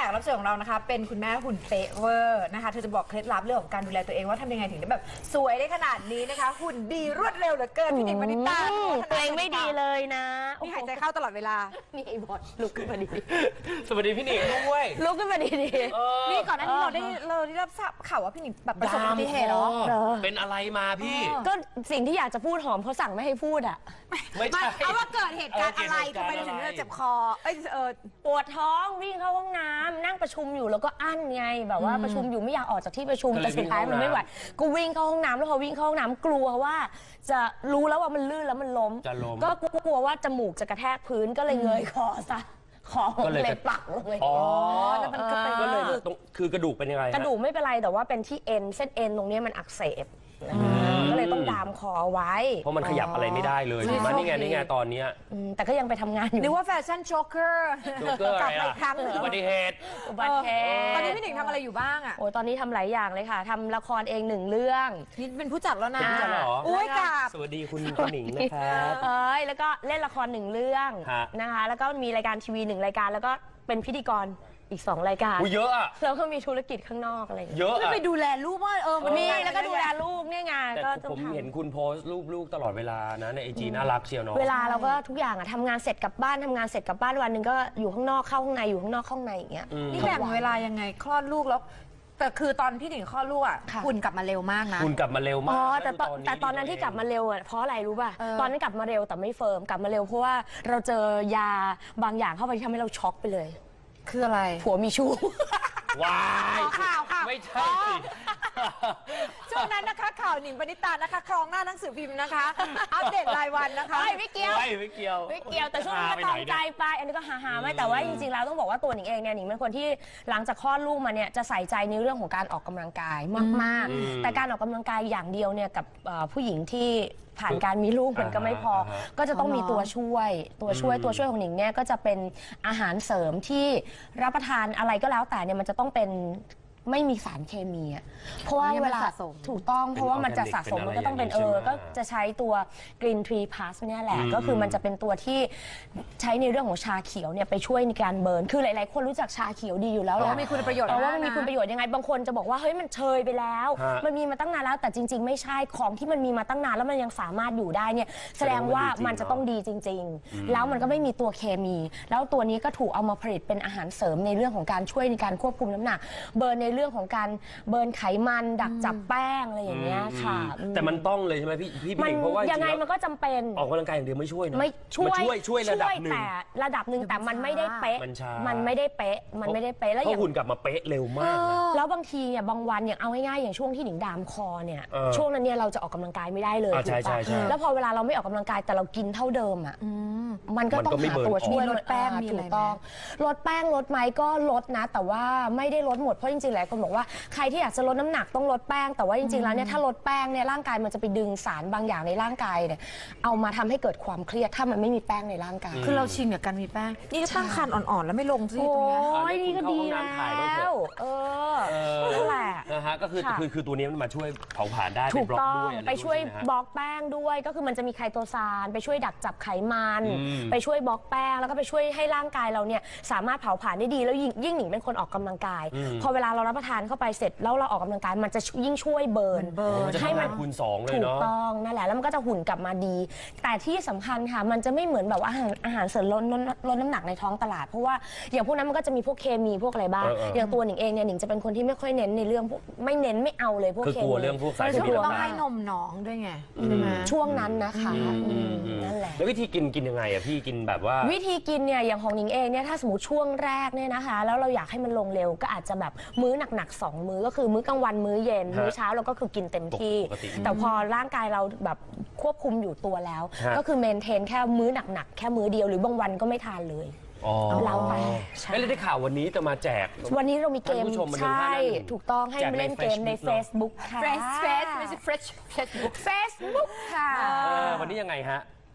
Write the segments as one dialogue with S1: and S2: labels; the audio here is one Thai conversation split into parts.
S1: กรับเชิญของเรานะคะเป็นคุณแม่หุ่นเป๊ะเวอร์นะคะเธอจะบอกเคล็ดลับเรื่องของการดูแลตัวเองว่าทำยังไงถึงได้แบบสวยได้ขนาดนี้นะคะหุ่นดีรวดเร็วเหลือเกินพี่หนิง มณิตา
S2: ตัวเองไม่ดีเลยนะ
S1: นี่หายใจเข้าตลอดเวลา
S2: นี่บอดลุกขึ้นมาดี
S3: สวัสดีพี่หนิงด้วย
S2: ลุกขึ้นมาดี
S1: นี่ก่อนหน้านี้เราได้รับทราบข่าวว่าพี่หนิงแบบประสบอุบัติเหตุเหรอ
S3: เป็นอะไรมาพี่
S2: ก็สิ่งที่อยากจะพูดหอมเขาสั่งไม่ให้พูดอ่ะ
S3: ไม่ใช่
S1: เอาว่าเกิดเหตุการณ์อะไรทำไมถึงเจ็บคอ
S2: ปวดท้องวิ่งเข้าห้องน้ำนั่งประชุมอยู่แล้วก็อั้นไงแบบว่าประชุมอยู่ไม่อยากออกจากที่ประชุมแต่สุดท้ายมันไม่ไหวก็วิ่งเข้าห้องน้ำแล้วพอวิ่งเข้าห้องน้ำกลัวว่าจะรู้แล้วว่ามันลื่นแล้วมันล้มก็กลัวว่าจมูกจะกระแทกพื้นก็เลยเงยคอซะคอเลยปักลงเลย
S3: อ๋อแล้วมันก็เลยคือกระดูกเป็นยังไง
S2: กระดูกไม่เป็นไรแต่ว่าเป็นที่เอ็นเส้นเอ็นตรงนี้มันอักเสบก็เลยต้องดามคอไว้
S3: เพราะมันขยับอะไรไม่ได้เลยมานี่ไงตอนนี้
S2: แต่ก็ยังไปทำงานอยู่
S1: นึกว่าแฟชั่นโชคเกอร์กลับไปอีกครั้ง
S3: อุบัติเหตุ
S1: ตอนนี้พี่หนิงทำอะไรอยู่บ้างอ่ะ
S2: โอ้ตอนนี้ทำหลายอย่างเลยค่ะทำละครเอง1เรื่อง
S1: นี่เป็นผู้จัดแล้วนะ
S3: ผู้จัดเหรอ
S1: อุ้ยกับ
S3: สวัสดีคุณหนิงนะครับ
S2: แล้วก็เล่นละคร1เรื่องนะคะแล้วก็มีรายการทีวี1รายการแล้วก็เป็นพิธีกรอีก2รายการ
S3: เยอะอะ
S2: แล้วก็มีธุรกิจข้างนอกอะไร
S3: เยอะ
S1: อะไปดูแลลูกว่า
S2: มันมีแล้วก็ดูแลลูกเนี่ยไง
S3: ก็ผมเห็นคุณโพสต์รูปลูกตลอดเวลานะในIGน่ารักเชียวเนาะ
S2: เวลาเราก็ทุกอย่างอะทำงานเสร็จกลับบ้านทำงานเสร็จกลับบ้านวันหนึ่งก็อยู่ข้างนอกเข้าข้างในอยู่ข้างนอกเข้าข้างในอย่างเงี้ย
S1: นี่แบ่งเวลายังไงคลอดลูกแล้วแต่คือตอนพี่หนิงคลอดลูกอ่ะคุณกลับมาเร็วมากนะ
S3: คุณกลับมาเร็วมาก
S2: แต่ตอนนั้นที่กลับมาเร็วอ่ะเพราะอะไรรู้ป่ะตอนนั้นกลับมาเร็วแต่ไม่เฟิร์มกลับมาเร็วเพราะว่าเราเจอยาบางอย่างเข้าไปที่ทำให้เราช็อกไปเลย
S1: คืออะไร
S2: ผัวมีชู้
S3: ว้าย
S1: ข่าว
S3: ไม่ใช่
S1: ช่วงนั้นนะคะข่าวหนิงปณิตานะคะครองหน้าหนังสือพิมพ์นะคะอัปเดตรายวันนะคะ
S2: ไม่เกี่ยวแต่ช่วงนั้นก็ตองใจไปอันนี้ก็หาไม่แต่ว่าจริงๆแล้วต้องบอกว่าตัวหนิงเองเนี่ยหนิงเป็นคนที่หลังจากคลอดลูกมาเนี่ยจะใส่ใจในเรื่องของการออกกำลังกายมากๆแต่การออกกำลังกายอย่างเดียวเนี่ยกับผู้หญิงที่ผ่านการมีลูกมันก็ไม่พอก็จะต้องมีตัวช่วยของหนิงเนี่ยก็จะเป็นอาหารเสริมที่รับประทานอะไรก็แล้วแต่เนี่ยมันจะต้องเป็นไม่มีสารเคมีอ่ะเพราะว่าเวลาถูกต้องเพราะว่ามันจะสะสมมันก็ต้องเป็นก็จะใช้ตัว Green Tree Plus เนี่ยแหละก็คือมันจะเป็นตัวที่ใช้ในเรื่องของชาเขียวเนี่ยไปช่วยในการเบิร์นคือหลายๆคนรู้จักชาเขียวดีอยู่แล้วแหละ
S1: มีคุณประโยชน์
S2: ว่ามันมีคุณประโยชน์ยังไงบางคนจะบอกว่าเฮ้ยมันเชยไปแล้วมันมีมาตั้งนานแล้วแต่จริงๆไม่ใช่ของที่มันมีมาตั้งนานแล้วมันยังสามารถอยู่ได้เนี่ยแสดงว่ามันจะต้องดีจริงๆแล้วมันก็ไม่มีตัวเคมีแล้วตัวนี้ก็ถูกเอามาผลิตเป็นอาหารเสริมในเรื่องของการช่วยในการควบคุมน้ำหนักเบิร์นในเรื่องของการเบิร์นไขมันดักจับแป้งอะไรอย่างเงี้ยค่ะ
S3: แต่มันต้องเลยใช่ไหมพี่เพราะว่า
S2: ยังไงมันก็จำเป็น
S3: ออกกำลังกายอย่างเดียวไม่ช่วยนะ
S2: ไม่
S3: ช่วยระดับหนึ่ง
S2: แต่ระดับหนึ่งแต่มันไม่ได้เป๊ะมันไม่ได้เป๊ะ
S3: แล้วอย่างหุ่นกลับมาเป๊ะเร็วมาก
S2: แล้วบางทีเนี่ยบางวันอย่างเอาง่ายๆอย่างช่วงที่หนิงดามคอเนี่ยช่วงนั้นเนี่ยเราจะออกกำลังกายไม่ได้เลย
S3: ใช่
S2: แล้วพอเวลาเราไม่ออกกำลังกายแต่เรากินเท่าเดิมอ่ะมันก็ต้องหาตัวช่วยลดแป้งถูกต้องลดแป้งลดไหมก็ลดนะแต่ว่าไม่ได้ลดหมดเพราะจริงๆหลายคนบอกว่าใครที่อยากจะลดน้ำหนักต้องลดแป้งแต่ว่าจริงๆแล้วเนี่ยถ้าลดแป้งเนี่ยร่างกายมันจะไปดึงสารบางอย่างในร่างกายเนี่ยเอามาทำให้เกิดความเครียดถ้ามันไม่มีแป้งในร่างกาย
S1: คือเราชินกับการมีแป้งนี่ตั้งครรภ์อ่อนๆแล้วไม่ลงสิตรงนี้
S2: โอ้ยนี่ก็ดีแล้วนั่นแหละ
S3: นะฮะก็คือตัวนี้มันมาช่วยเผาผลาญได้
S2: ถูกต้องไปช่วยบล็อกแป้งด้วยก็คือมันจะมีไคโตซานไปช่วยดักจับไขมันไปช่วยบล็อกแป้งแล้วก็ไปช่วยให้ร่างกายเราเนี่ยสามารถเผาผลาญได้ดีแล้วยิ่งหนิงเป็นคนออกกำลังกายพอเวลาเรารับประทานเข้าไปเสร็จแล้วเราออกกำลังกายมันจะยิ่งช่วยเบิร์น
S3: ให้มันคูณ2เลยเนาะ
S2: ถูกต้องนั่นแหละแล้วมันก็จะหุ่นกลับมาดีแต่ที่สำคัญค่ะมันจะไม่เหมือนแบบอาหารเสริมลดน้ำหนักในท้องตลาดเพราะว่าอย่างพวกนั้นมันก็จะมีพวกเคมีพวกอะไรบ้างอย่างตัวหนิงเองเนี่ยหนิงจะเป็นคนที่ไม่ค่อยเน้นในเรื่องไม่เน้นไม่เอาเลยพวกเคมี
S3: กลัวเรื่องพวกสารเคมี
S1: ต้องให้นมน้องด้วยไง
S2: ช่วงนั้นนะคะนั่นแหละ
S3: แล้ววิธีกินยังไงอ่ะพี่กินแบบว่า
S2: วิธีกินเนี่ยอย่างของหนิงเองเนี่ยถ้าสมมติช่วงแรกเนี่ยนะคะแล้วเราอยากให้มันลงเร็วก็อาจจะแบบมื้อหนักๆ2มื้อก็คือมื้อกลางวันมื้อเย็นมื้อเช้าเราก็คือกินเต็มที่แต่พอร่างกายเราแบบควบคุมอยู่ตัวแล้วก็คือเมนเทนแค่มื้อหนักๆแค่มื้อเดียวหรือบางวันก็ไม่ทานเลยเราไป
S3: ไม่ได้ข่าววันนี้จะมาแจก
S2: วันนี้เรามีเกมใช่ถูกต้องให้เล่นเกมใน Facebook ค่ะ
S1: Facebook ค่ะ
S3: วันนี้ยังไงฮะ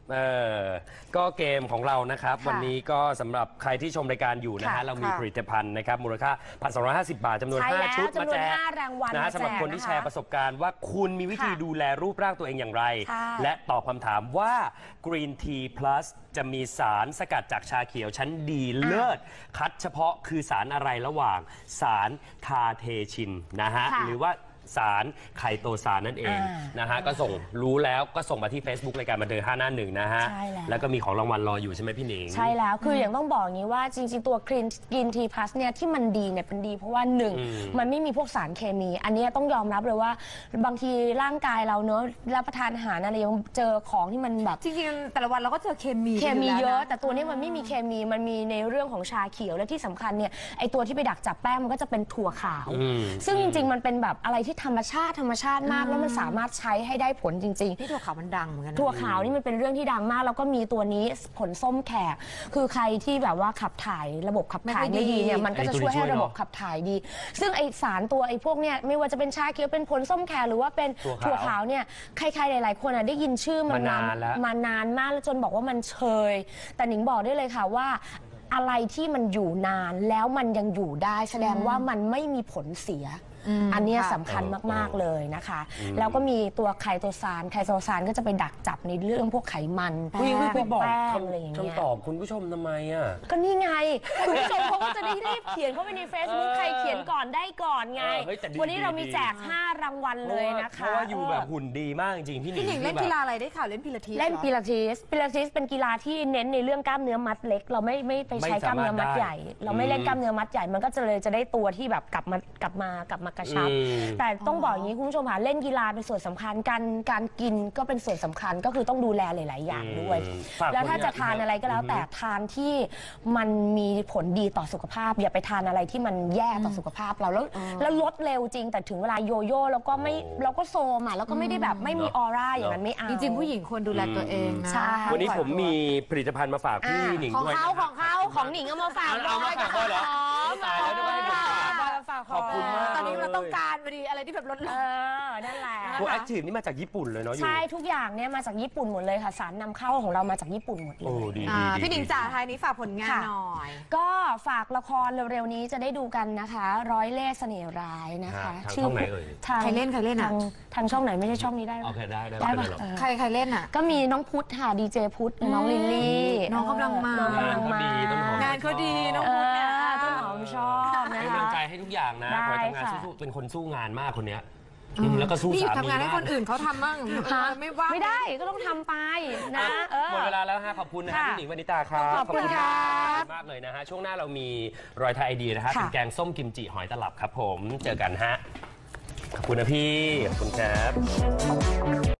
S3: ก็เกมของเรานะครับ
S1: ค่ะ
S3: วันนี้ก็สำหรับใครที่ชมรายการอยู่นะฮะ
S2: ค่ะ
S3: เรามีผลิตภัณฑ์นะครับมูลค่า 1,250 บาทจำนวน
S2: ใช่แล้ว
S3: 5 ชุดมาแจก
S2: จำนวน5รางวัล
S3: นะฮะ
S2: มาแจก
S3: สำหรับคนที่
S2: นะคะ
S3: แชร์ประสบการณ์ว่าคุณมีวิธี
S2: ค่ะ
S3: ดูแลรูปร่างตัวเองอย่างไร
S2: ใช่
S3: และตอบคำถามว่า Green Tea Plus จะมีสารสกัดจากชาเขียวชั้นดีเลิศคัดเฉพาะคือสารอะไรระหว่างสารคาเทชินนะฮะ
S2: ค่ะ
S3: หรือว่าสารไคโตซานนั่นเองนะฮะก็ส่งรู้แล้วก็ส่งมาที่ Facebook รายการบันเทิง5 หน้า 1นะฮะ
S2: ใช่แล้ว
S3: แล้วก็มีของรางวัลรออยู่ใช่ไหมพี่หนิง
S2: ใช่แล้ว คืออย่างต้องบอกอย่างนี้ว่าจริงๆ ตัวกรีนทีพลัสเนี่ยที่มันดีเนี่ยเป็นดีเพราะว่าหนึ่งมันไม่มีพวกสารเคมี อันเนี้ยต้องยอมรับเลยว่าบางทีร่างกายเราเนอะรับประทานอาหารอะไรยังเจอของที่มันแบบ
S1: จริงๆแต่ละวันเราก็เจอเคมี
S2: เคมีเยอะ
S1: น
S2: แต่ตัวนี้มันไม่มีเคมี มันมีในเรื่องของชาเขียวและที่สำคัญเนี่ยไอตัวที่ไปดักจับแป้งมันก็จะเป็นถั่วขาว ซึ่งจริงๆมันเป็นแบบอะไรที่ธรรมชาติมากแล้วมันสามารถใช้ให้ได้ผลจริง ๆ
S1: ที่ถั่วขาวมันดังเหมือนกันนะ
S2: ถั่วขาวนี่มันเป็นเรื่องที่ดังมาก แล้วก็มีตัวนี้ผลส้มแขก คือใครที่แบบว่าขับถ่ายระบบขับถ่ายไม่ดีเนี่ยมันก็จะช่วยให้ระบบขับถ่ายดี ซึ่งไอสารตัวไอพวกเนี่ยไม่ว่าจะเป็นชาเขียวเป็นผลส้มแขกหรือว่าเป็นถั่วขาวเนี่ยใครๆหลายๆคนได้ยินชื่อมันมานานมากแล้วจนบอกว่ามันเชยแต่หนิงบอกได้เลยค่ะว่าอะไรที่มันอยู่นานแล้วมันยังอยู่ได้แสดงว่ามันไม่มีผลเสีย อันเนี้ยสำคัญมากๆเลยนะคะ แล้วก็มีตัวไคโตซานก็จะไปดักจับในเรื่องพวกไขมัน
S3: วิ่งไปบอก
S2: แป้งอะไรอย่างเงี้ย
S3: คำตอบคุณผู้ชมทำไมอ่ะ
S2: ก็นี่ไง คุณผู้ชมเขาก็จะได้รีบเขียนเข้าไปใน Facebook ใครเขียนก่อนได้ก่อนไง
S3: เฮ้ยแต่ดี
S2: วันนี้เรามี
S3: ดี
S2: แจก 5 รางวัลเลยนะคะ
S3: เพราะว่าอยู่แบบหุ่นดีมากจริงๆพี่หนิ
S1: พี่
S3: ง
S1: หนิงเล่น
S3: คือ
S1: กี
S3: แบบ
S1: ฬาอะไรได้ข่าวเล่นพิลาทิส
S2: เล่น
S1: หรอ
S2: ปิลาทิสเป็นกีฬาที่เน้นในเรื่องกล้ามเนื้อมัดเล็ก เราไม่ไปใช้กล้ามเนื้อมัดใหญ่ เราไม่เล่นกล้ามเนื้อมัดใหญ่ มันก็จะได้ตัวที่แบบกลับมากระชับ แต่ต้องบอกอย่างนี้คุณผู้ชมค่ะเล่นกีฬาเป็นส่วนสำคัญการกินก็เป็นส่วนสำคัญก็คือต้องดูแลหลาย ๆ อย่างด้วย
S3: ฝาก
S2: แล้วถ้า
S3: ผลงาน
S2: จะทานอะไรก็แล้วแต่ทานที่มันมีผลดีต่อสุขภาพ อย่าไปทานอะไรที่มันแย่ต่อสุขภาพเราแล้วลดเร็วจริงแต่ถึงเวลาโยโย่แล้วก็โซมอ่ะแล้วก็ไม่ได้แบบไม่มีออร่าอย่างนั้นไม่เอา
S1: จริงๆผู้หญิงควรดูแลตัวเองนะ
S2: ใช่
S3: วันนี้ผมมีผลิตภัณฑ์มาฝากพี่หนิง
S2: ของ
S3: ด้วย
S2: เขา
S3: นะครับ
S2: ของหนิงเอามาฝาก
S3: เอามาฝากด้วยเหรอตายแล้วนึกว่าให้ผมฝาก ขอบคุณมาก
S1: ตอนนี้เราต้องการพอดีอะไรที่แบบลด
S2: นั่นแหละ
S3: ตัวแอคทีฟนี่มาจากญี่ปุ่นเลยเนาะอยู่
S2: ใช่ทุกอย่างเนี่ยมาจากญี่ปุ่นหมดเลยค่ะสารนำเข้าของเรามาจากญี่ปุ่นหมดเล
S3: โอ้
S2: ย
S3: ดี
S1: พี่หนิงจ๋าท้ายนี้ฝากผลงาน
S2: ค่ะ
S1: หน่อย
S2: ก็ฝากละครเร็วๆนี้จะได้ดูกันนะคะ ร้อยเล่ห์เสน่ห์ร้ายนะคะ
S3: ทางช่องไหนเอ่ย
S2: ทาง
S1: ใครเล่นอะ
S2: ทางช่องไหนไม่ใช่ช่องนี้ได้หร
S3: โอ
S2: อ
S3: เคได้
S2: ได้
S3: ไม่
S2: ปะ
S3: เป็นไรหรอก
S1: ใครเล่นอ่ะ
S2: ก็มีน้องพุทธค่ะดีเจพุทธน้องลิลลี่
S1: น้องกำลังมา
S2: น้องกำลังมา
S1: งานเขาดีน้องพุทธเนี่ย
S2: ต้นหอมชอบนะ
S3: เป็น
S2: คะ
S3: กำลังใจให้ทุกอย่างนะ
S2: ได้
S3: ขอให้ทำงาน
S2: ค่ะ
S3: สู้ๆเป็นคนสู้งานมากคนเนี้ยแล้วก็สู้
S1: พี่หยุด
S3: สามี
S1: ทำงานให้
S3: มาก
S1: คนอื่นเขาทำบ้างไม่ว่าง
S2: ไม่ได้ก็ต้องทำไปนะ
S3: หมดเวลาแล้วฮะขอบคุณนะฮะ
S2: ค่ะ
S3: พี่หนิงวณิตาครับ
S2: ขอบคุณครับ
S3: มากเลยนะฮะช่วงหน้าเรามีรอยไทยไอเดียนะฮะ
S2: ค่ะ
S3: เป็นแกงส้มกิมจิหอยตลับครับผมเจอกันฮะขอบคุณนะพี่ขอบคุณครับ